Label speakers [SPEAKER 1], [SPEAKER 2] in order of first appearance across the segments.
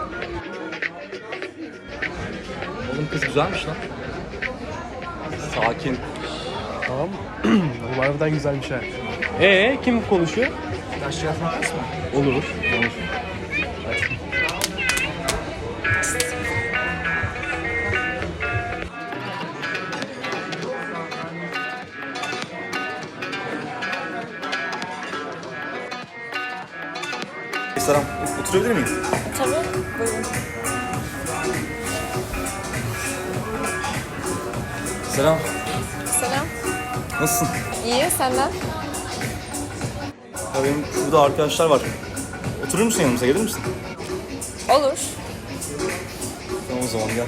[SPEAKER 1] Oğlum kız güzelmiş lan. Sakin.
[SPEAKER 2] Tamam. Bu harbiden güzelmiş ha. Kim konuşuyor?
[SPEAKER 3] Taş yatmak mı?
[SPEAKER 2] Olur.
[SPEAKER 4] Selam, oturabilir miyim?
[SPEAKER 5] Tabii, buyurun.
[SPEAKER 4] Selam,
[SPEAKER 5] Selam.
[SPEAKER 4] nasılsın?
[SPEAKER 5] İyi, senden?
[SPEAKER 4] Ya benim şurada arkadaşlar var. Oturur musun yanımıza, gelir misin?
[SPEAKER 5] Olur.
[SPEAKER 4] Tamam o zaman gel.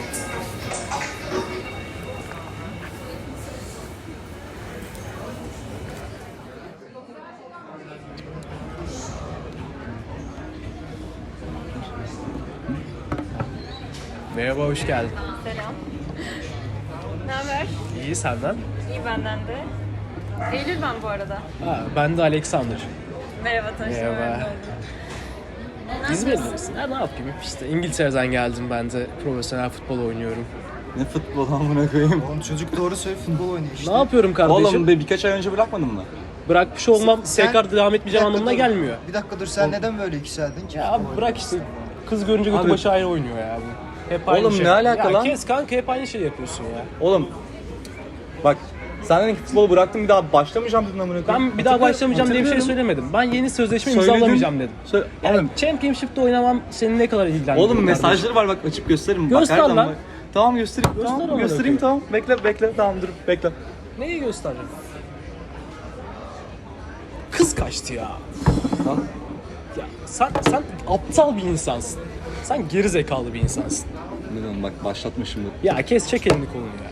[SPEAKER 2] Merhaba, hoş geldin.
[SPEAKER 5] Selam. Ne haber?
[SPEAKER 2] İyi, senden?
[SPEAKER 5] İyi benden de. Eylül ben bu arada.
[SPEAKER 2] Ben de Alexander.
[SPEAKER 5] Merhaba, tanıştığıma
[SPEAKER 2] Merhaba.
[SPEAKER 5] memnun oldum.
[SPEAKER 2] İzmirli misin? Ne yapayım? İşte İngiltere'den geldim, ben de profesyonel futbol oynuyorum.
[SPEAKER 4] Ne futbol amına koyayım.
[SPEAKER 3] Oğlum çocuk doğru söylüyor, futbol oynuyor işte.
[SPEAKER 2] Ne yapıyorum kardeşim?
[SPEAKER 4] Oğlum birkaç ay önce bırakmadın mı?
[SPEAKER 2] Bırakmış olmam
[SPEAKER 3] Sen-
[SPEAKER 2] tekrar devam etmeyeceğim
[SPEAKER 3] Bir dakika
[SPEAKER 2] anlamına
[SPEAKER 3] dur.
[SPEAKER 2] gelmiyor.
[SPEAKER 3] Bir dakika dur, sen neden böyle yükseldin ki?
[SPEAKER 2] Ya abi bırak işte. Kız görünce götü
[SPEAKER 4] Abi-
[SPEAKER 2] başı ayrı oynuyor ya bu. Hep aynı
[SPEAKER 4] Oğlum
[SPEAKER 2] şey.
[SPEAKER 4] ne alaka
[SPEAKER 2] ya
[SPEAKER 4] lan?
[SPEAKER 2] Kes kanka, hep aynı şey yapıyorsun ya.
[SPEAKER 4] Oğlum bak sen dedin ki futbolu bıraktım bir daha başlamayacağım dedin amına koyayım.
[SPEAKER 2] Ben bir daha başlamayacağım diye bir şey
[SPEAKER 4] Hatırlıyorum.
[SPEAKER 2] söylemedim. Ben yeni sözleşme
[SPEAKER 4] Söyledin.
[SPEAKER 2] imzalamayacağım dedim. Yani
[SPEAKER 4] Oğlum,
[SPEAKER 2] Championship'te oynamam seni ne kadar ilgilendiriyor?
[SPEAKER 4] oğlum
[SPEAKER 2] kardeşim?
[SPEAKER 4] mesajları var bak açıp gösteririm.
[SPEAKER 2] Göster
[SPEAKER 4] bak, her
[SPEAKER 2] lan.
[SPEAKER 4] zaman- Tamam göstereyim.
[SPEAKER 2] Göster
[SPEAKER 4] Tamam
[SPEAKER 2] amına
[SPEAKER 4] göstereyim
[SPEAKER 2] koyayım.
[SPEAKER 4] tamam. Bekle tamam dur bekle.
[SPEAKER 2] Neyi göstereceğim? Kız kaçtı ya.
[SPEAKER 4] Lan.
[SPEAKER 2] Ya sen aptal bir insansın. Sen geri zekalı bir insansın.
[SPEAKER 4] Ne diyorsun bak başlatma şimdi.
[SPEAKER 2] Ya kes, çek elini kolunu ya.